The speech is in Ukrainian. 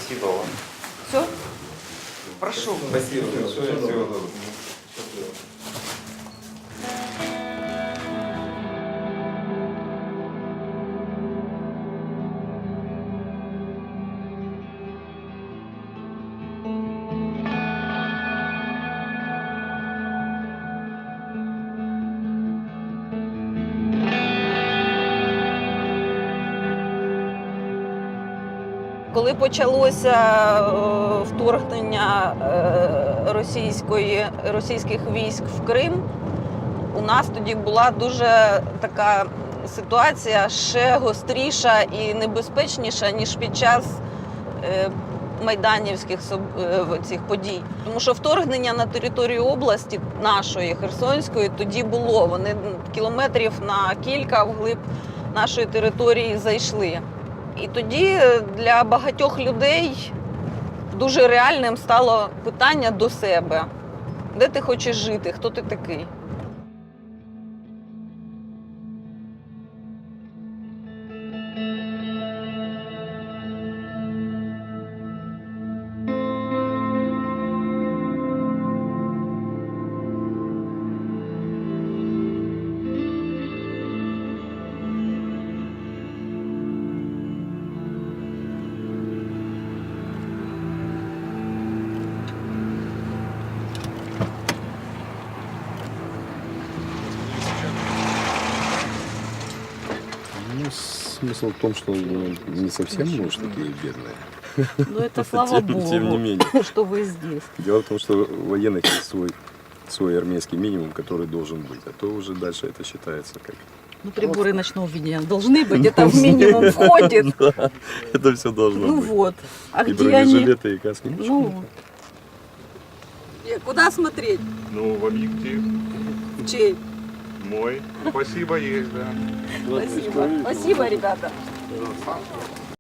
Спасибо вам. Все? Прошу. Спасибо большое. Всего доброго. Коли почалося вторгнення російських військ в Крим, у нас тоді була дуже така ситуація ще гостріша і небезпечніша, ніж під час майданівських цих подій. Тому що вторгнення на територію області нашої, Херсонської, тоді було. Вони кілометрів на кілька вглиб нашої території зайшли. І тоді для багатьох людей дуже реальним стало питання до себе. Де ти хочеш жити? Хто ти такий? Ну, смысл в том, что не совсем, может, такие бедные. Ну, это слава Богу, Тем не менее. что вы здесь. Дело в том, что у военных есть свой армейский минимум, который должен быть. А то уже дальше это считается как... Ну, приборы ночного видения должны быть, это в минимум входит. Да, это все должно Ну быть. вот. А И где они? бронежилеты, и каски. Ну, куда смотреть? Ну, в объектив Чей? мой. Спасибо, есть, да. Спасибо. Спасибо, ребята.